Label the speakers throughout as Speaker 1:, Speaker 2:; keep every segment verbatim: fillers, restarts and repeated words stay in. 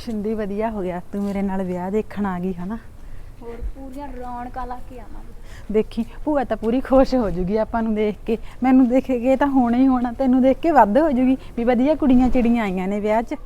Speaker 1: ਸ਼ਿੰਦੀ ਵਧੀਆ ਹੋ ਗਿਆ ਤੂੰ ਮੇਰੇ ਨਾਲ ਵਿਆਹ ਦੇਖਣ ਆ ਗਈ ਹਨਾ।
Speaker 2: ਹੋਰ ਪੂਰੀਆਂ ਰੌਣਕਾਂ ਲਾ ਕੇ ਆਵਾਂਗੇ।
Speaker 1: ਦੇਖੀ ਭੂਆ ਤਾਂ ਪੂਰੀ ਖੁਸ਼ ਹੋ ਜੂਗੀ ਆਪਾਂ ਨੂੰ ਦੇਖ ਕੇ। ਮੈਨੂੰ ਦੇਖ ਕੇ ਤਾਂ ਹੋਣਾ ਹੀ ਹੋਣਾ, ਤੈਨੂੰ ਦੇਖ ਕੇ ਵੱਧ ਹੋ ਜੂਗੀ ਵੀ ਵਧੀਆ ਕੁੜੀਆਂ ਚਿੜੀਆਂ ਆਈਆਂ ਨੇ ਵਿਆਹ 'ਚ।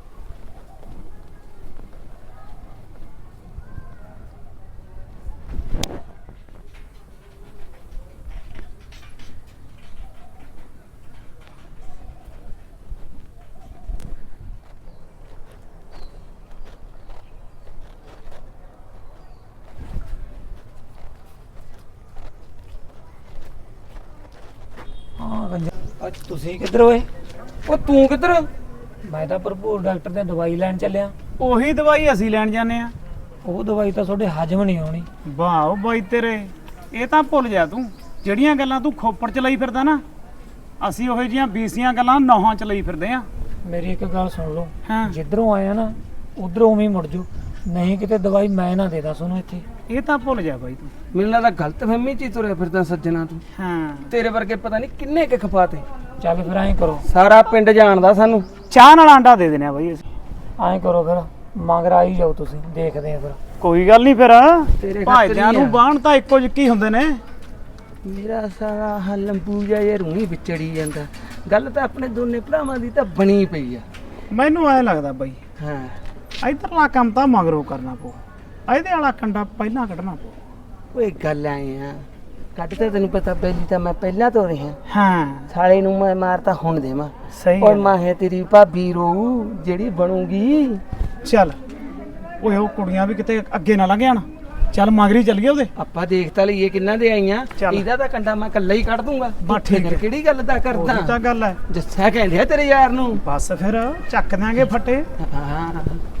Speaker 3: ਅੱਜ ਤੁਸੀਂ ਕਿੱਧਰ ਹੋਏ?
Speaker 4: ਉਹ ਤੂੰ ਕਿੱਧਰ?
Speaker 3: ਮੈਂ ਤਾਂ ਭਰਪੂਰ ਡਾਕਟਰ ਤੇ ਦਵਾਈ ਲੈਣ ਚੱਲਿਆ।
Speaker 4: ਉਹੀ ਦਵਾਈ ਅਸੀਂ ਲੈਣ ਜਾਂਦੇ ਆ।
Speaker 3: ਉਹ ਦਵਾਈ ਤਾਂ ਤੁਹਾਡੇ ਹਜਮ ਨਹੀਂ ਆਉਣੀ।
Speaker 4: ਵਾਹ ਬਾਈ ਤੇਰੇ, ਇਹ ਤਾਂ ਭੁੱਲ ਜਾ ਤੂੰ ਜਿਹੜੀਆਂ ਗੱਲਾਂ ਤੂੰ ਖੋਪੜ ਚ ਲਈ ਫਿਰਦਾ ਨਾ, ਅਸੀਂ ਉਹੋ ਜਿਹੀਆਂ ਬੀਸੀਆਂ ਗੱਲਾਂ ਨੌਹਾਂ ਚ ਲਈ ਫਿਰਦੇ ਆ।
Speaker 3: ਮੇਰੀ ਇੱਕ ਗੱਲ ਸੁਣ ਲਓ,
Speaker 4: ਹਾਂ।
Speaker 3: ਜਿੱਧਰੋਂ ਆਇਆ ਨਾ ਉਧਰੋਂ ਉਵੇਂ ਹੀ ਮੁੜ ਜਾਓ, ਨਹੀਂ ਕਿਤੇ ਦਵਾਈ ਮੈਂ ਨਾ ਦੇ ਦਾਂ ਤੁਹਾਨੂੰ ਇੱਥੇ।
Speaker 4: ਇਹ ਤਾਂ ਭੁੱਲ ਜਾ ਬਾਈ ਤੂੰ।
Speaker 5: ਮੈਨੂੰ ਲੱਗਦਾ ਗਲਤ ਫਹਿਮੀ ਚ ਹੀ ਤੁਰਿਆ ਫਿਰਦਾ ਸੱਜਣਾ ਤੂੰ।
Speaker 4: ਹਾਂ,
Speaker 5: ਤੇਰੇ ਵਰਗੇ ਪਤਾ ਨਹੀਂ ਕਿੰਨੇ ਕੁ ਖਪਾਤੇ।
Speaker 3: ਚੱਲ ਫਿਰ ਐਂ ਕਰੋ,
Speaker 5: ਸਾਰਾ ਪਿੰਡ ਜਾਣਦਾ ਸਾਨੂੰ।
Speaker 4: ਚਾਹ ਨਾਲ ਆਂਡਾ ਦੇ ਦੇਣੇ ਆ ਬਾਈ ਅਸੀਂ।
Speaker 3: ਐਂ ਕਰੋ ਫਿਰ ਮਗਰ ਆਈ ਜਾਓ, ਤੁਸੀਂ ਦੇਖਦੇ ਆ ਫਿਰ।
Speaker 4: ਕੋਈ ਗੱਲ ਨਹੀਂ ਫਿਰ,
Speaker 5: ਤੇਰੇ
Speaker 4: ਭਾਈਆਂ ਨੂੰ
Speaker 5: ਖਾਤਰ
Speaker 4: ਬਾਣ ਤਾਂ ਇੱਕੋ ਜਿਹੇ ਹੁੰਦੇ ਨੇ।
Speaker 5: ਮੇਰਾ ਸਾਰਾ ਹਲੰਬੂ ਜਿਹਾ ਇਹ ਰੂਹੀ ਵਿਚੜੀ ਜਾਂਦਾ। ਗੱਲ ਤਾਂ ਆਪਣੇ ਦੋਨੇ ਭਰਾਵਾਂ ਦੀ ਤਾਂ ਬਣੀ ਪਈ ਆ।
Speaker 4: ਮੈਨੂੰ ਐ ਲੱਗਦਾ ਬਾਈ
Speaker 5: ਹਾਂ,
Speaker 4: ਇਧਰਲਾ ਕੰਮ ਤਾਂ ਮਗਰੋਂ ਕਰਨਾ ਪਊ, ਇਹਦੇ ਵਾਲਾ ਕੰਡਾ ਪਹਿਲਾਂ ਕੱਢਣਾ ਪਊ।
Speaker 5: ਕੋਈ ਗੱਲ ਆਏ ਆ ਕੱਢ ਤਾਂ ਤੈਨੂੰ ਪਤਾ ਬੈਲੀ ਤਾਂ ਮੈਂ ਪਹਿਲਾਂ ਤੋਂ ਰਿਹਾ।
Speaker 4: ਹਾਂ
Speaker 5: ਸਾਲੇ ਨੂੰ ਮੈਂ ਮਾਰਤਾ ਹੁਣ ਦੇਵਾਂ।
Speaker 4: ਸਹੀ
Speaker 5: ਓਏ
Speaker 4: ਗੱਲ।
Speaker 5: ਮਾਂ ਹੈ ਤੇਰੀ ਭਾਬੀ ਰੋ ਜਿਹੜੀ ਬਣੂਗੀ।
Speaker 4: ਚੱਲ ਓਏ ਉਹ ਕੁੜੀਆਂ ਵੀ ਕਿਤੇ ਅੱਗੇ ਨਾ ਲੰਘ ਜਾਣ। ਚੱਲ ਮਗਰੀ ਚੱਲੀਏ ਉਹਦੇ।
Speaker 5: ਆਪਾਂ ਦੇਖ ਤਾਂ ਲਈਏ ਕਿੰਨਾ ਦੇ ਆਈਆਂ।
Speaker 4: ਚੱਲ।
Speaker 5: ਇਹਦਾ ਤਾਂ ਕੰਡਾ ਮੈਂ ਇਕੱਲਾ ਹੀ ਕੱਢ ਦੂੰਗਾ।
Speaker 4: ਬਸ ਠੀਕ ਹੈ।
Speaker 5: ਕਿਹੜੀ ਗੱਲ ਦਾ
Speaker 4: ਉਹੀ
Speaker 5: ਕਰਦਾ
Speaker 4: ਤਾਂ ਗੱਲ ਹੈ।
Speaker 5: ਜੱਸਾ ਕਹਿੰਦੇ ਆ ਤੇਰੇ ਯਾਰ ਨੂੰ।
Speaker 4: ਬਸ ਫਿਰ ਚੱਕ ਦਿਆਂਗੇ ਫੱਟੇ।
Speaker 5: ਹਾਂ,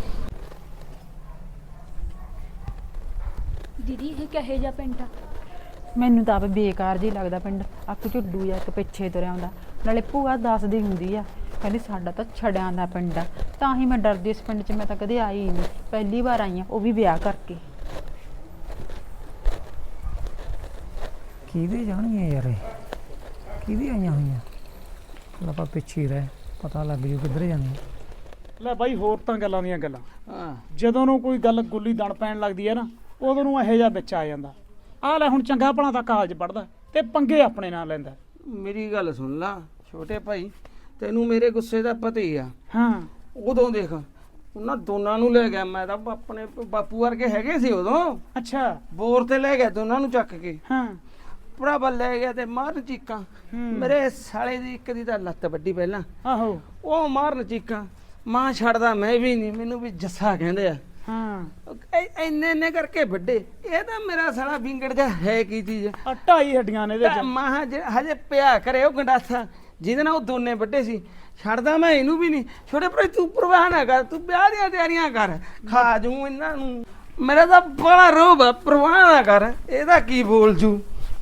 Speaker 2: ਦੀਦੀ ਇਹ ਕਹੇ ਜਾ ਪਿੰਡ ਆ?
Speaker 1: ਮੈਨੂੰ ਤਾਂ ਆਪ ਬੇਕਾਰ ਜੀ ਲੱਗਦਾ ਪਿੰਡ। ਅੱਕ ਝੁੱਡੂ ਜਾਂ ਇੱਕ ਪਿੱਛੇ ਤੁਰਿਆ ਹੁੰਦਾ। ਨਾਲੇ ਭੂਆ ਦੱਸਦੀ ਹੁੰਦੀ ਆ, ਕਹਿੰਦੀ ਸਾਡਾ ਤਾਂ ਛੜਿਆਂ ਦਾ ਪਿੰਡ ਆ। ਤਾਂ ਹੀ ਮੈਂ ਡਰਦੀ ਇਸ ਪਿੰਡ 'ਚ ਮੈਂ ਤਾਂ ਕਦੇ ਆਈ ਹੀ ਨਹੀਂ, ਪਹਿਲੀ ਵਾਰ ਆਈ ਆ, ਉਹ ਵੀ ਵਿਆਹ ਕਰਕੇ।
Speaker 3: ਕਿਹਦੇ ਜਾਣਗੀਆਂ ਯਾਰ, ਇਹ ਕਿਹਦੀ ਆਈਆਂ ਹੋਈਆਂ? ਚੱਲ ਆਪਾਂ ਪਿੱਛੇ ਹੀ ਰਹਿ, ਪਤਾ ਲੱਗ ਜੂ ਕਿੱਧਰ ਜਾਂਦੇ।
Speaker 4: ਲੈ ਬਾਈ ਹੋਰ ਤਾਂ ਗੱਲਾਂ ਦੀਆਂ ਗੱਲਾਂ।
Speaker 5: ਹਾਂ।
Speaker 4: ਜਦੋਂ ਨੂੰ ਕੋਈ ਗੱਲ ਗੁੱਲੀ ਦਣ ਪੈਣ ਲੱਗਦੀ ਹੈ ਨਾ, ਉਦੋਂ ਨੂੰ ਇਹੋ ਜਿਹਾ ਵਿੱਚ ਆ ਜਾਂਦਾ। ਆਹ ਲੈ ਹੁਣ ਚੰਗਾ ਭਲਾ ਤਾਂ ਕਾਲਜ ਪੜਦਾ ਤੇ ਪੰਗੇ ਆਪਣੇ ਨਾਲ ਲੈਂਦਾ।
Speaker 5: ਮੇਰੀ ਗੱਲ ਸੁਣ ਲਾ ਛੋਟੇ ਭਾਈ, ਤੈਨੂੰ ਮੇਰੇ ਗੁੱਸੇ ਦਾ ਪਤਾ ਹੀ ਆ।
Speaker 4: ਹਾਂ
Speaker 5: ਉਦੋਂ ਦੇਖ ਉਹਨਾਂ ਦੋਨਾਂ ਨੂੰ ਲੈ ਗਿਆ ਮੈਂ ਤਾਂ ਆਪਣੇ ਬਾਪੂ ਵਰਗੇ ਹੈਗੇ ਸੀ ਉਦੋਂ।
Speaker 4: ਅੱਛਾ।
Speaker 5: ਬੋਰ ਤੇ ਲੈ ਗਿਆ ਦੋਨਾਂ ਨੂੰ ਚੱਕ ਕੇ।
Speaker 4: ਹਾਂ
Speaker 5: ਭਰਾਵਾ ਲੈ ਗਿਆ ਤੇ ਮਾਰਨ ਚੀਕਾਂ। ਮੇਰੇ ਸਾਲੇ ਦੀ ਇੱਕ ਦੀ ਤਾਂ ਲੱਤ ਵੱਡੀ ਪਹਿਲਾਂ,
Speaker 4: ਆਹੋ।
Speaker 5: ਉਹ ਮਾਰਨ ਚੀਕਾਂ। ਮਾਂ ਛੱਡਦਾ ਮੈਂ ਵੀ ਨਹੀਂ, ਮੈਨੂੰ ਵੀ ਜੱਸਾ ਕਹਿੰਦੇ ਆ।
Speaker 4: ਹਾਂ
Speaker 5: ਇੰਨੇ ਇੰਨੇ ਕਰਕੇ ਵੱਡੇ। ਇਹ ਤਾਂ ਮੇਰਾ ਸਾਲਾ ਵਿੰਗੜ ਜਾ ਹੈ ਕੀ ਚੀਜ਼।
Speaker 4: ਆ ਢਾਈ ਹੱਡੀਆਂ ਨੇ ਇਹਦੇ ਚ।
Speaker 5: ਮਾਂ ਹਜੇ ਪਿਆ ਕਰੇ ਉਹ ਗੰਡਾਸਾ ਜਿਹਦੇ ਨਾਲ ਉਹ ਦੋਨੇ ਵੱਡੇ ਸੀ। ਛੱਡਦਾ ਮੈਂ ਇਹਨੂੰ ਵੀ ਨਹੀਂ। ਛੋਟੇ ਭਰਾ ਤੂੰ ਪਰਵਾਹ ਨਾ ਕਰ, ਤੂੰ ਵਿਆਹ ਦੀਆਂ ਤਿਆਰੀਆਂ ਕਰ, ਖਾ ਜੂ ਇਹਨਾਂ ਨੂੰ। ਮੇਰਾ ਤਾਂ ਬੜਾ ਰੋਬ ਆ, ਪਰਵਾਹ ਨਾ ਕਰ, ਇਹਦਾ ਕੀ ਬੋਲ ਜੂ।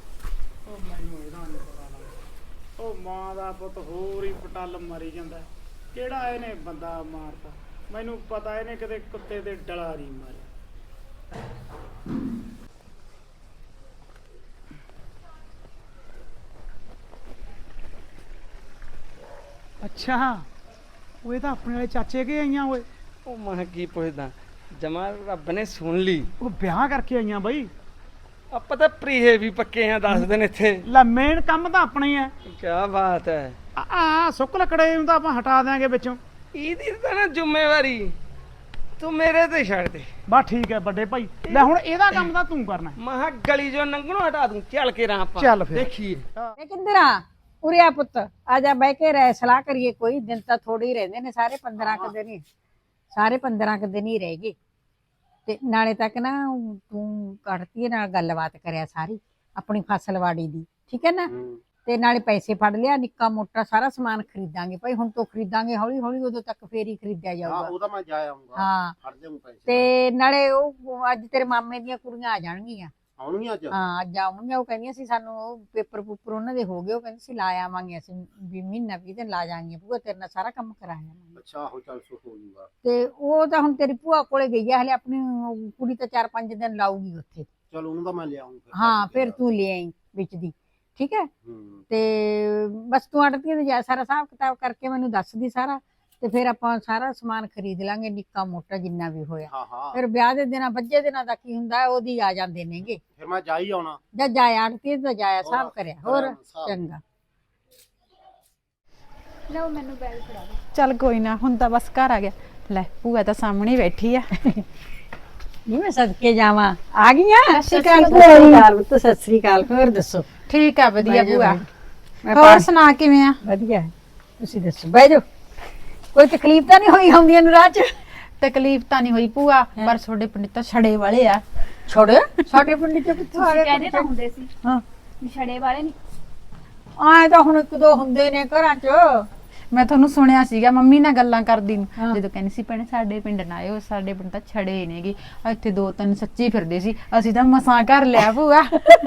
Speaker 4: ਉਹ ਮਾਂ ਦਾ ਪੁੱਤ ਹੋਰ ਹੀ ਪਟਲ ਮਾਰੀ ਜਾਂਦਾ। ਕਿਹੜਾ ਇਹਨੇ ਬੰਦਾ ਮਾਰਤਾ, ਮੈਨੂੰ ਪਤਾ ਇਹਨੇ ਕਿਤੇ ਕੁੱਤੇ ਦੇ ਡਲਾ ਨਹੀਂ ਮਾਰਿਆ। ਅੱਛਾ ਉਹ ਇਹ ਤਾਂ ਆਪਣੇ ਵਾਲੇ ਚਾਚੇ ਕੇ ਆਈਆਂ ਓਏ।
Speaker 5: ਉਹ ਮੈਂ ਕੀ ਪੁੱਛਦਾ, ਜਮਾ ਰੱਬ ਨੇ ਸੁਣ ਲਈ।
Speaker 4: ਉਹ ਵਿਆਹ ਕਰਕੇ ਆਈਆਂ ਬਾਈ।
Speaker 5: ਆਪਾਂ ਤਾਂ ਪ੍ਰੀਹੇ ਵੀ ਪੱਕੇ ਆ ਦਸ ਦਿਨ ਇੱਥੇ।
Speaker 4: ਲੈ ਮੇਨ ਕੰਮ ਤਾਂ ਆਪਣਾ ਹੀ ਹੈ।
Speaker 5: ਕੀ ਬਾਤ ਹੈ।
Speaker 4: ਆ ਆ ਸੁੱਕ ਲੱਕੜੇ ਨੂੰ ਤਾਂ ਆਪਾਂ ਹਟਾ ਦਿਆਂਗੇ ਵਿੱਚੋਂ।
Speaker 5: ਇਹਦੀ ਤਾਂ ਨਾ ਜ਼ਿੰਮੇਵਾਰੀ ਤੂੰ ਮੇਰੇ ਤੇ ਛੱਡ ਦੇ।
Speaker 4: ਬਸ ਠੀਕ ਹੈ ਵੱਡੇ ਭਾਈ। ਲੈ ਹੁਣ ਇਹਦਾ ਕੰਮ ਤਾਂ ਤੂੰ ਕਰਨਾ।
Speaker 5: ਮਹਾ ਗਲੀ ਜੋ ਨੰਗਣੋਂ ਹਟਾ ਦੂੰ। ਚੱਲ ਕੇ ਰਾਂ ਆਪਾਂ
Speaker 4: ਚੱਲ ਫਿਰ।
Speaker 5: ਦੇਖੀਏ।
Speaker 6: ਇਹ ਕਿੱਧਰ ਆ? ਉਰੇ ਆ ਪੁੱਤ, ਆ ਜਾ ਬਹਿ ਕੇ ਰਹਿ ਸਲਾਹ ਕਰੀਏ। ਕੋਈ ਦਿਨ ਤਾਂ ਥੋੜੇ ਹੀ ਰਹਿੰਦੇ ਨੇ, ਸਾਰੇ ਪੰਦਰਾਂ ਕੁ ਦਿਨ ਹੀ ਸਾਰੇ ਪੰਦਰਾਂ ਕੁ ਦਿਨ ਹੀ ਰਹਿ ਗਏ। ਤੇ ਨਾਲੇ ਤੱਕ ਨਾ ਤੂੰ ਕੱਢਤੀ ਨਾਲ ਗੱਲਬਾਤ ਕਰਿਆ ਸਾਰੀ ਆਪਣੀ ਫਸਲਵਾੜੀ ਦੀ, ਠੀਕ ਹੈ ਨਾ। ਤੇ ਨਾਲੇ ਪੈਸੇ ਫੜ ਲਿਆ, ਨਿੱਕਾ ਮੋਟਾ ਸਾਰਾ ਸਮਾਨ ਖਰੀਦਾਂਗੇ ਭਾਈ। ਹੁਣ ਤੋਂ ਖਰੀਦਾਂਗੇ ਹੌਲੀ ਹੌਲੀ, ਉਦੋਂ ਤੱਕ ਫੇਰ ਹੀ ਖਰੀਦਿਆ ਜਾਊਗਾ।
Speaker 7: ਉਹ ਤਾਂ ਮੈਂ ਜਾ ਆਉਂਗਾ।
Speaker 6: ਹਾਂ
Speaker 7: ਫੜ ਦੇ ਪੈਸੇ।
Speaker 6: ਤੇ ਨਾਲੇ ਉਹ ਅੱਜ ਤੇਰੇ ਮਾਮੇ ਦੀਆਂ ਕੁੜੀਆਂ ਆ ਜਾਣਗੀਆਂ।
Speaker 7: ਆਉਣਗੀਆਂ ਅੱਜ?
Speaker 6: ਹਾਂ ਅੱਜ ਆਉਣਗੀਆਂ। ਉਹ ਕਹਿੰਦੀਆਂ ਸੀ ਸਾਨੂੰ ਉਹ ਪੇਪਰ ਪੂਪਰ ਉਹਨਾਂ ਦੇ ਹੋ ਗਏ, ਉਹ ਕਹਿੰਦੇ ਸੀ ਲਾ ਆਵਾਂਗੇ ਅਸੀਂ ਵੀ ਮਹੀਨਾ ਵੀਹ ਦਿਨ ਲਾ ਜਾਾਂਗੇ ਭੂਆ, ਤੇਰੇ ਨਾਲ ਸਾਰਾ ਕੰਮ ਕਰਾ ਆਵਾਂਗੇ।
Speaker 7: ਅੱਛਾ ਹੋ ਚੱਲ ਸੁਖ ਹੋ ਜੂਗਾ।
Speaker 6: ਤੇ ਉਹ ਤਾਂ ਹੁਣ ਤੇਰੀ ਭੂਆ ਕੋਲੇ ਗਈ ਆ ਹਲੇ, ਆਪਣੀ ਉਹ ਕੁੜੀ ਤਾਂ ਚਾਰ ਪੰਜ ਦਿਨ ਲਾਊਗੀ ਉੱਥੇ।
Speaker 7: ਚਲ ਉਹਨੂੰ ਤਾਂ ਮੈਂ ਲਿਆਉਂ ਫਿਰ।
Speaker 6: ਹਾਂ ਫਿਰ ਤੂੰ ਲੈ ਆਈ ਵਿੱਚ ਦੀ, ਠੀਕ ਹੈ।
Speaker 7: ਹੂੰ।
Speaker 6: ਤੇ ਬਸ ਤੂੰ ਆੜਤੀਆਂ ਤੇ ਜਾ ਸਾਰਾ ਹਿਸਾਬ ਕਿਤਾਬ ਕਰਕੇ ਮੈਨੂੰ ਦੱਸਦੀ ਸਾਰਾ। ਤੇ ਫਿਰ ਆਪਾਂ ਸਾਰਾ ਸਮਾਨ ਖਰੀਦ ਲਾਂਗੇ ਨਿੱਕਾ ਮੋਟਾ ਜਿੰਨਾ ਵੀ ਹੋਇਆ।
Speaker 7: ਹਾਂ ਹਾਂ
Speaker 6: ਫਿਰ ਵਿਆਹ ਦੇ ਦਿਨਾਂ ਬੱਜੇ ਦਿਨਾਂ ਦਾ ਕੀ ਹੁੰਦਾ ਹੈ, ਉਹਦੀ ਆ ਜਾਂਦੇ ਨੇਗੇ।
Speaker 7: ਫਿਰ ਮੈਂ ਜਾ ਹੀ ਆਉਣਾ।
Speaker 6: ਜਾਂ ਜਾਇਆ ਆੜਤੀ ਤਾਂ ਜਾਇਆ ਸਾਹਬ
Speaker 7: ਹੋਰ,
Speaker 6: ਕਰਿਆ ਹੋਰ
Speaker 7: ਹਿਸਾਬ।
Speaker 6: ਚੰਗਾ।
Speaker 2: ਲਓ ਮੈਨੂੰ ਬੈਲ ਫੜਾ ਦੇ।
Speaker 1: ਚੱਲ ਕੋਈ ਨਾ, ਹੁਣ ਤਾਂ ਬਸ ਘਰ ਆ ਗਿਆ। ਲੈ ਭੂਆ ਤਾਂ ਸਾਹਮਣੇ ਹੀ ਬੈਠੀ ਆ।
Speaker 6: ਨਹੀਂ ਮੈਂ ਸਦਕੇ ਜਾਵਾਂ ਆ ਗਈਆਂ।
Speaker 1: ਸਤਿ ਸ਼੍ਰੀ ਅਕਾਲ।
Speaker 6: ਸਤਿ ਸ਼੍ਰੀ ਅਕਾਲ ਪੁੱਤ, ਸਤਿ ਸ਼੍ਰੀ ਅਕਾਲ। ਹੋਰ ਦੱਸੋ?
Speaker 1: ਠੀਕ ਆ, ਵਧੀਆ
Speaker 6: ਬਹਿ ਜਾਓ,
Speaker 1: ਭੂਆ।
Speaker 6: ਮੈਂ
Speaker 1: ਹੋਰ
Speaker 6: ਪਾ-
Speaker 1: ਸੁਣਾ ਕਿਵੇਂ ਆ?
Speaker 6: ਵਧੀਆ ਹੈ। ਤੁਸੀਂ ਦੱਸੋ, ਬਹਿ ਜਾਓ। ਕੋਈ ਤਕਲੀਫ ਤਾਂ ਨਹੀਂ ਹੋਈ ਆਉਂਦੀਆਂ ਨੂੰ ਰਾਹ ਚ?
Speaker 1: ਤਕਲੀਫ ਤਾਂ ਨਹੀਂ ਹੋਈ ਭੂਆ, ਪਰ ਤੁਹਾਡੇ ਪਿੰਡ ਤਾਂ ਛੜੇ ਵਾਲੇ ਆ।
Speaker 6: ਛੋੜ ਸਾਡੇ ਪਿੰਡ ਚ ਕਿੱਥੋਂ ਆ
Speaker 2: ਤੁਸੀਂ
Speaker 6: ਗਏ?
Speaker 2: ਕਹਿੰਦੇ ਤਾਂ ਹੁੰਦੇ ਸੀ
Speaker 6: ਹਾਂ
Speaker 2: ਵੀ ਛੜੇ ਵਾਲੇ ਨਹੀਂ।
Speaker 6: ਆਏ ਤਾਂ ਹੁਣ ਇੱਕ ਦੋ ਹੁੰਦੇ ਨੇ ਘਰਾਂ ਚ।
Speaker 1: ਮੈਂ ਤੁਹਾਨੂੰ ਸੁਣਿਆ ਸੀਗਾ ਮੰਮੀ ਨਾਲ ਗੱਲਾਂ ਕਰਦੀ ਨੂੰ,
Speaker 6: ਹਾਂ।
Speaker 1: ਜਦੋਂ ਕਹਿੰਦੀ ਸੀ ਭੈਣੇ ਸਾਡੇ ਪਿੰਡ ਨਾ ਆਇਓ, ਸਾਡੇ ਪਿੰਡ ਤਾਂ ਛੜੇ ਨੇਗੇ। ਇੱਥੇ ਦੋ ਤਿੰਨ ਸੱਚੀ ਫਿਰਦੇ ਸੀ, ਅਸੀਂ ਤਾਂ ਮਸਾਂ ਘਰ ਲਿਆ ਭੂਆ।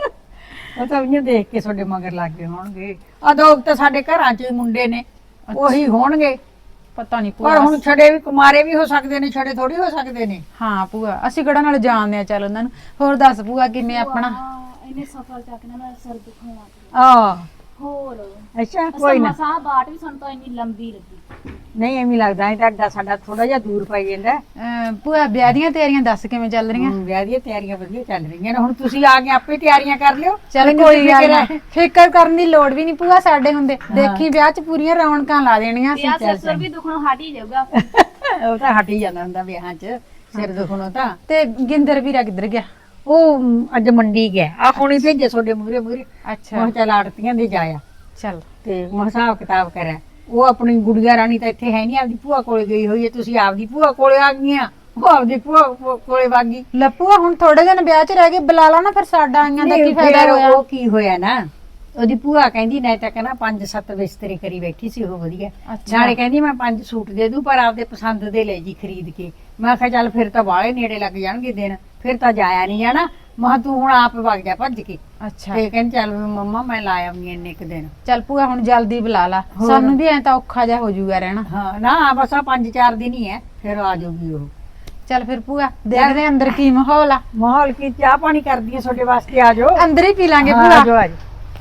Speaker 6: ਉਹ ਤਾਂ ਉਹਨੂੰ ਦੇਖ ਕੇ ਤੁਹਾਡੇ ਮਗਰ ਲੱਗ ਗਏ ਹੋਣਗੇ। ਆ ਦੋ ਤਾਂ ਸਾਡੇ ਘਰਾਂ ਚ ਹੀ ਮੁੰਡੇ ਨੇ, ਉਹੀ ਹੋਣਗੇ।
Speaker 1: ਪਤਾ ਨਹੀਂ
Speaker 6: ਪਰ ਹੁਣ
Speaker 1: ਭੂਆ।
Speaker 6: ਛੜੇ ਵੀ ਕੁਮਾਰੇ ਵੀ ਹੋ ਸਕਦੇ ਨੇ, ਛੜੇ ਥੋੜੀ ਹੋ ਸਕਦੇ ਨੇ।
Speaker 1: ਹਾਂ ਭੂਆ, ਅਸੀਂ ਕਿਹੜਾ ਨਾਲ ਜਾਣਦੇ ਆ ਚੱਲ ਉਹਨਾਂ ਨੂੰ। ਹੋਰ ਦੱਸ ਭੂਆ ਕਿਵੇਂ ਆਪਣਾ?
Speaker 2: ਵਾਹ, ਇਹਨੇ ਸਫਲ ਚੱਕ ਨਾ ਮੇਰਾ ਸਿਰ ਦੁਖਾਉਣਾ।
Speaker 6: ਆ
Speaker 2: ਹੋਰ
Speaker 6: ਅੱਛਾ ਕੋਈ ਨਾ।
Speaker 2: ਮਸਾ ਬਾਟ ਵੀ ਸਾਨੂੰ ਤਾਂ ਇੰਨੀ ਲੰਬੀ ਲੱਗੀ।
Speaker 6: ਨਹੀਂ ਐਵੇਂ ਲੱਗਦਾ ਹੈ ਤਾਂ ਅੱਡਾ ਸਾਡਾ ਥੋੜਾ ਜਿਹਾ ਦੂਰ ਪਈ ਜਾਂਦਾ ਹੈ।
Speaker 1: ਅਹ ਭੂਆ ਵਿਆਹ ਦੀਆਂ ਤਿਆਰੀਆਂ ਦੱਸ ਕਿਵੇਂ ਚੱਲ ਰਹੀਆਂ?
Speaker 6: ਹਮ, ਵਿਆਹ ਦੀਆਂ ਤਿਆਰੀਆਂ ਵਧੀਆ ਚੱਲ ਰਹੀਆਂ ਨੇ। ਹੁਣ ਤੁਸੀਂ ਆ ਕੇ ਆਪੇ ਤਿਆਰੀਆਂ ਕਰ ਲਿਓ।
Speaker 1: ਚੱਲ
Speaker 6: ਮੈਨੂੰ
Speaker 1: ਕੋਈ
Speaker 6: ਫਿਕਰ
Speaker 1: ਗੱਲ
Speaker 6: ਹੈ।
Speaker 1: ਨਹੀਂ, ਫਿਕਰ ਕਰਨ ਦੀ ਲੋੜ ਵੀ ਨਹੀਂ ਭੂਆ ਸਾਡੇ ਹੁੰਦੇ। ਦੇਖੀ ਵਿਆਹ 'ਚ ਪੂਰੀਆਂ ਰੌਣਕਾਂ ਲਾ ਦੇਣੀਆਂ
Speaker 2: ਤੇ ਆ
Speaker 1: ਅਸੀਂ।
Speaker 2: ਸਿਰ ਸੁਰ ਵੀ ਦੁਖਣੋਂ ਹਟ ਹੀ ਜਾਊਗਾ।
Speaker 6: ਉਹ ਤਾਂ ਹਟ ਹੀ ਜਾਂਦਾ ਹੁੰਦਾ ਵਿਆਹਾਂ 'ਚ ਸਿਰ ਦੁਖਣੋਂ ਤਾਂ।
Speaker 1: ਤੇ ਗਿੰਦਰ ਵੀਰਾ ਕਿੱਧਰ ਗਿਆ?
Speaker 6: ਉਹ ਮ, ਅੱਜ ਮੰਡੀ ਗਿਆ। ਆ ਹੁਣੀ ਭੇਜੇ ਤੁਹਾਡੇ ਮੂਰੇ ਮੂਰੇ।
Speaker 1: ਅੱਛਾ
Speaker 6: ਮੈਂ ਚੱਲ ਆੜਤੀਆਂ ਦੇ ਜਾਇਆ
Speaker 1: ਚੱਲ।
Speaker 6: ਤੇ ਮੈਂ ਹਿਸਾਬ ਕਿਤਾਬ ਕਰਿਆ। ਉਹ ਆਪਣੀ ਗੁੜੀਆ ਰਾਣੀ ਤਾਂ ਇੱਥੇ ਹੈ ਨਹੀਂ, ਆਪਦੀ ਭੂਆ ਕੋਲੇ ਗਈ ਹੋਈ ਹੈ। ਤੁਸੀਂ ਆਪਦੀ ਭੂਆ ਕੋਲੇ ਆ ਗਈਆਂ, ਉਹ ਆਪਦੀ ਭੂਆ ਕੋ- ਕੋਲੇ ਵਾਗੀ।
Speaker 1: ਲੱਪੂਆ ਹੁਣ ਥੋੜੇ ਦਿਨ ਵਿਆਹ 'ਚ ਰਹਿ ਗਏ, ਬੁਲਾ ਲਾ ਨਾ ਫਿਰ ਸਾਡਾ ਆਈਆਂ ਦਾ ਕੀ
Speaker 6: ਨਹੀਂ,
Speaker 1: ਫਾਇਦਾ
Speaker 6: ਫਿਰ
Speaker 1: ਹੋਇਆ?
Speaker 6: ਉਹ ਕੀ ਹੋਇਆ ਨਾ, ਉਹਦੀ ਭੂਆ ਕਹਿੰਦੀ ਨਹੀਂ ਤਾਂ ਕਹਿੰਦਾ ਪੰਜ ਸੱਤ ਬਿਸਤਰੇ ਕਰੀ ਬੈਠੀ ਸੀ ਉਹ ਵਧੀਆ।
Speaker 1: ਅੱਛਾ।
Speaker 6: ਨਾਲੇ ਕਹਿੰਦੀ ਮੈਂ ਪੰਜ ਸੂਟ ਦੇ ਦੂੰ ਪਰ ਆਪਦੇ ਪਸੰਦ ਦੇ ਲੈ ਜੀ ਖਰੀਦ ਕੇ। ਮੈਂ ਕਿਹਾ ਚੱਲ ਫਿਰ ਤਾਂ ਬਾਹਲੇ ਨੇੜੇ ਲੱਗ ਜਾਣਗੇ ਦਿਨ, ਫਿਰ ਤਾਂ ਜਾਇਆ ਨਹੀਂ ਜਾਣਾ। ਮੈਂ ਕਿਹਾ ਤੂੰ ਹੁਣ ਆਪ ਵਗ ਜਾ ਭੱਜ ਕੇ।
Speaker 1: ਅੱਛਾ
Speaker 6: ਤੇ ਕਹਿੰਦੀ ਚੱਲ ਵੀ ਮੰਮਾ ਮੈਂ ਲਾ ਆਉਂਗੀ ਇੰਨੇ ਕੁ ਦਿਨ।
Speaker 1: ਚੱਲ ਭੂਆ ਹੁਣ ਜਲਦੀ ਬੁਲਾ ਲਾ,
Speaker 6: ਹੋਰ।
Speaker 1: ਸਾਨੂੰ ਵੀ ਐ ਤਾਂ ਔਖਾ ਜਿਹਾ ਹੋ ਜਾਊਗਾ ਰਹਿਣਾ।
Speaker 6: ਹਾਂ ਨਾ ਬਸ ਆ ਪੰਜ ਚਾਰ ਦਿਨ ਹੀ ਹੈ, ਫਿਰ ਆ ਜਾਊਗੀ ਉਹ।
Speaker 1: ਚੱਲ ਫਿਰ ਭੂਆ ਦੇਖਦੇ ਆਂ ਅੰਦਰ ਕੀ ਮਾਹੌਲ ਆ।
Speaker 6: ਮਾਹੌਲ ਕੀ, ਚਾਹ ਪਾਣੀ ਕਰਦੀ ਹੈ ਤੁਹਾਡੇ ਵਾਸਤੇ, ਆ ਜਾਓ।
Speaker 1: ਅੰਦਰ ਹੀ ਪੀ ਲਾਂਗੇ
Speaker 6: ਹਾਂ, ਆ
Speaker 1: ਭੂਆ।
Speaker 6: ਜਾਓ ਆ ਜਾਓ।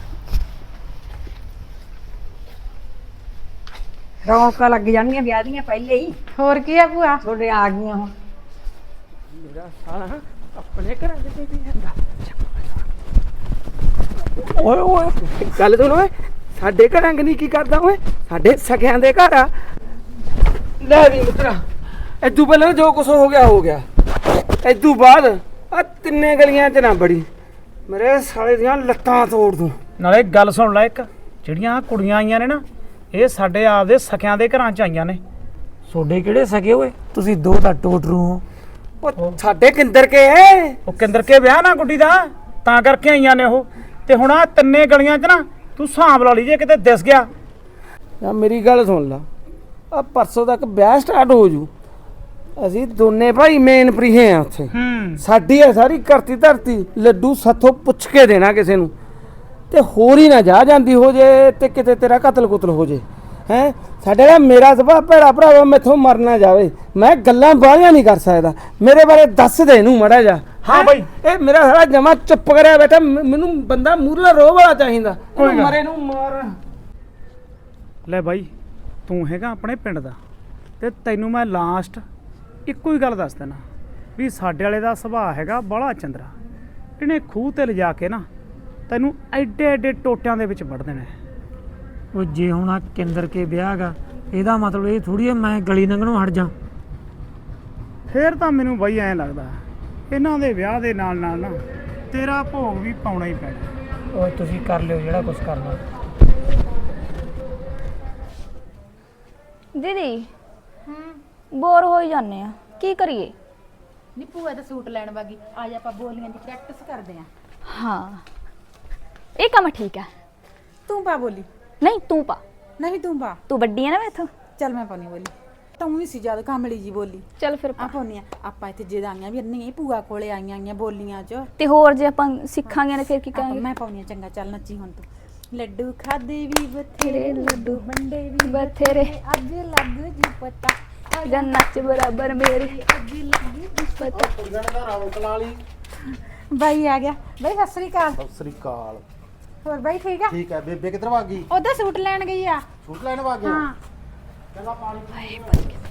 Speaker 6: ਰੌਣਕਾਂ ਲੱਗ ਜਾਣਗੀਆਂ ਵਿਆਹ ਦੀਆਂ ਪਹਿਲੇ ਹੀ।
Speaker 1: ਹੋਰ ਕੀ ਆ ਭੂਆ?
Speaker 6: ਤੁਹਾਡੇ ਆ ਗਈਆਂ ਹੁਣ।
Speaker 5: ਮੇਰਾ ਸਾਲਾ ਆਪਣੇ ਘਰਾਂ ਦੇ ਵੀ ਜਾਂਦਾ। ਓਏ ਓਏ ਗੱਲ ਸੁਣ ਓਏ, ਸਾਡੇ ਘਰਾਂ ਨਹੀਂ ਕੀ ਕਰਦਾ ਓਏ, ਸਾਡੇ ਸਕਿਆਂ ਦੇ ਘਰ ਆ। ਲੈ ਵੀ ਮਿੱਤਰਾ, ਇਦੋਂ ਪਹਿਲਾਂ ਜੋ ਕੁਛ ਹੋ ਗਿਆ ਹੋ ਗਿਆ। ਇਦੋਂ ਬਾਅਦ ਆ ਤਿੰਨੇ ਗਲੀਆਂ 'ਚ ਨਾ ਬੜੀ, ਮੇਰੇ ਸਾਲੇ ਦੀਆਂ ਲੱਤਾਂ ਤੋੜ ਦੂੰ।
Speaker 4: ਨਾਲੇ ਗੱਲ ਸੁਣ ਲੈ, ਇੱਕ ਜਿਹੜੀਆਂ ਕੁੜੀਆਂ ਆਈਆਂ ਨੇ ਨਾ, ਇਹ ਸਾਡੇ ਆਪਦੇ ਸਕਿਆਂ ਦੇ ਘਰਾਂ 'ਚ ਆਈਆਂ ਨੇ।
Speaker 3: ਤੁਹਾਡੇ ਕਿਹੜੇ ਸਕੇ ਓਏ? ਤੁਸੀਂ ਦੋ ਤਾਂ ਟੋਟਰੂ ਹੋ।
Speaker 5: ਉਹ ਸਾਡੇ ਕਿੰਦਰ ਕੇ
Speaker 4: ਉਹ ਕਿੰਦਰ ਕੇ ਵਿਆਹ ਨਾ ਗੁੱਡੀ ਦਾ, ਤਾਂ ਕਰਕੇ ਆਈਆਂ ਨੇ ਉਹ। ਤੇ ਹੁਣ ਆ ਤਿੰਨੇ ਗਲੀਆਂ 'ਚ ਨਾ ਤੂੰ ਹਿਸਾਬ ਲਾ ਲਈ, ਜੇ ਕਿਤੇ ਦਿਸ ਗਿਆ।
Speaker 5: ਯਾ ਮੇਰੀ ਗੱਲ ਸੁਣ ਲਾ, ਆ ਪਰਸੋਂ ਤੱਕ ਵਿਆਹ ਸਟਾਰਟ ਹੋ ਜੂ। ਅਸੀਂ ਦੋਨੇ ਭਾਈ ਮੇਨ ਪ੍ਰੀਹੇ ਆ ਉੱਥੇ।
Speaker 4: ਹੂੰ
Speaker 5: ਸਾਡੀ ਹੈ ਸਾਰੀ ਕਰਤੀ ਧਰਤੀ, ਲੱਡੂ ਸਾਥੋਂ ਪੁੱਛ ਕੇ ਦੇਣਾ ਕਿਸੇ ਨੂੰ। ਤੇ ਹੋਰ ਹੀ ਨਾ ਜਾ ਜਾਂਦੀ ਹੋ ਜੇ ਤੇ ਕਿਤੇ ਤੇਰਾ ਕਤਲ ਕੁਤਲ ਹੋ ਜੇ। ਹੈ ਸਾਡੇ ਦਾ ਮੇਰਾ ਸੁਭਾਅ ਭੈੜਾ ਭਰਾਵਾ, ਮੈਥੋਂ ਮਰ ਨਾ ਜਾਵੇ। ਮੈਂ ਗੱਲਾਂ ਬਾਹਲੀਆਂ ਨਹੀਂ ਕਰ ਸਕਦਾ, ਮੇਰੇ ਬਾਰੇ ਦੱਸ ਦੇ ਇਹਨੂੰ ਮੜਾ ਜਾ।
Speaker 4: ਹਾਂ ਬਈ।
Speaker 5: ਇਹ ਮੇਰਾ ਸਾਰਾ ਜਮਾ ਚੁੱਪ ਕਰਿਆ ਬੈਠਾ। ਮ- ਮੈਨੂੰ ਬੰਦਾ ਮੂਰਲਾ ਰੋਹ ਵਾਲਾ ਚਾਹੀਦਾ।
Speaker 4: ਕੋਈ ਗੱਲ।
Speaker 5: ਮਰੇ ਨੂੰ ਮਾਰ।
Speaker 4: ਲੈ ਬਾਈ, ਤੂੰ ਹੈਗਾ ਆਪਣੇ ਪਿੰਡ ਦਾ, ਤੇ ਤੈਨੂੰ ਮੈਂ ਲਾਸਟ ਇੱਕੋ ਹੀ ਗੱਲ ਦੱਸ ਦੇਣਾ ਵੀ ਸਾਡੇ ਵਾਲੇ ਦਾ ਸੁਭਾਅ ਹੈਗਾ ਬੜਾ ਚੰਦਰਾ। ਇਹਨੇ ਖੂਹ ਤੇ ਲਿਜਾ ਕੇ ਨਾ ਤੈਨੂੰ ਐਡੇ ਐਡੇ ਟੋਟਿਆਂ ਦੇ ਵਿੱਚ ਵੜ ਦੇਣਾ।
Speaker 3: ਉਹ ਜੇ ਹੁਣ ਆ ਕੇਂਦਰ ਕੇ ਵਿਆਹ ਗਾ, ਇਹਦਾ ਮਤਲਬ ਇਹ ਥੋੜੀ ਹੈ ਮੈਂ ਗਲੀ ਲੰਘਣੋਂ ਹਟ ਜਾ।
Speaker 4: ਫੇਰ ਤਾਂ ਮੈਨੂੰ ਬਾਈ ਐਂ ਲੱਗਦਾ ਇਹਨਾਂ ਦੇ ਵਿਆਹ ਦੇ ਨਾਲ ਨਾਲ ਨਾ ਤੇਰਾ ਭੋਗ ਵੀ ਪਾਉਣਾ ਹੀ ਪੈਣਾ।
Speaker 3: ਓਏ ਤੁਸੀਂ ਕਰ ਲਿਓ ਜਿਹੜਾ ਕੁਝ ਕਰਨਾ।
Speaker 2: ਦੀਦੀ ਬੋਰ ਹੋਈ ਜਾਂਦੇ ਆ, ਕੀ ਕਰੀਏ?
Speaker 1: ਨੀ ਭੂਆ ਦਾ ਸੂਟ ਲੈਣ ਵਾਗੀ, ਅੱਜ ਆਪਾਂ ਬੋਲੀਆਂ ਦੀ ਪ੍ਰੈਕਟਿਸ ਕਰਦੇ ਆਂ।
Speaker 2: ਹਾਂ ਇਹ ਕੰਮ ਠੀਕ ਹੈ।
Speaker 1: ਤੂੰ ਪਾ ਬੋਲੀ।
Speaker 2: ਨਹੀਂ ਤੂੰ ਪਾ,
Speaker 1: ਨਹੀਂ ਤੂੰ ਪਾ।
Speaker 2: ਤੂੰ ਵੱਡੀ ਹੈ ਨਾ ਮੈਥੋਂ।
Speaker 1: ਚੱਲ ਮੈਂ ਪਾਉਣੀ ਬੋਲੀ। ਤੂੰ ਹੀ ਸੀ ਜਦ ਕਾਮਲੀ ਜੀ ਬੋਲੀ।
Speaker 2: ਚੱਲ ਫਿਰ ਪਾ।
Speaker 1: ਆ ਪਾਉਣੀ ਆ ਆਪਾਂ ਇੱਥੇ ਜਿਹਦਾ ਆਈਆਂ ਵੀ ਨਹੀਂ ਭੂਆ ਕੋਲੇ ਆਈਆਂ ਆਈਆਂ ਬੋਲੀਆਂ 'ਚ।
Speaker 2: ਤੇ ਹੋਰ ਜੇ ਆਪਾਂ ਸਿੱਖਾਂਗੇ ਨਾ ਫਿਰ ਕੀ
Speaker 1: ਆਪਾਂ
Speaker 2: ਕਰਾਂਗੇ?
Speaker 1: ਮੈਂ ਪਾਉਣੀ ਆ, ਚੰਗਾ ਚੱਲ ਨੱਚੀ ਹੁਣ ਤੂੰ। ਲੱਡੂ ਖਾਦੇ ਵੀ ਬਥੇਰੇ, ਲੱਡੂ ਵੰਡੇ ਵੀ
Speaker 2: ਬਥੇਰੇ,
Speaker 1: ਅੱਜ ਲੱਗ ਜੀ ਪਤਾ,
Speaker 2: ਜਾਂ ਨੱਚ ਬਰਾਬਰ ਮੇਰੇ।
Speaker 1: ਅੱਜ ਲੱਗ ਜੀ ਪਤਾ।
Speaker 7: ਕੁੜੀਆਂ ਨੇ ਤਾਂ ਰੌਣਕ ਲਾ ਲਈ।
Speaker 1: ਬਾਈ ਆ ਗਿਆ। ਬਾਈ ਸਤਿ ਸ੍ਰੀ ਅਕਾਲ।
Speaker 7: ਸਤਿ ਸ੍ਰੀ ਅਕਾਲ।
Speaker 1: ਹੋਰ ਬਾਈ ਠੀਕ ਆ?
Speaker 7: ਠੀਕ ਹੈ, ਬੇਬੇ ਕਿੱਧਰ ਭੱਗ ਗਈ?
Speaker 1: ਉਹਦਾ ਸੂਟ ਲੈਣ ਗਈ ਆ।
Speaker 7: ਸੂਟ ਲੈਣ ਭੱਗ ਗਏ?
Speaker 1: ਹਾਂ
Speaker 7: ਚੰਗਾ ਪਾਣੀ
Speaker 2: ਹਾਏ ਬਚ ਗਿਆ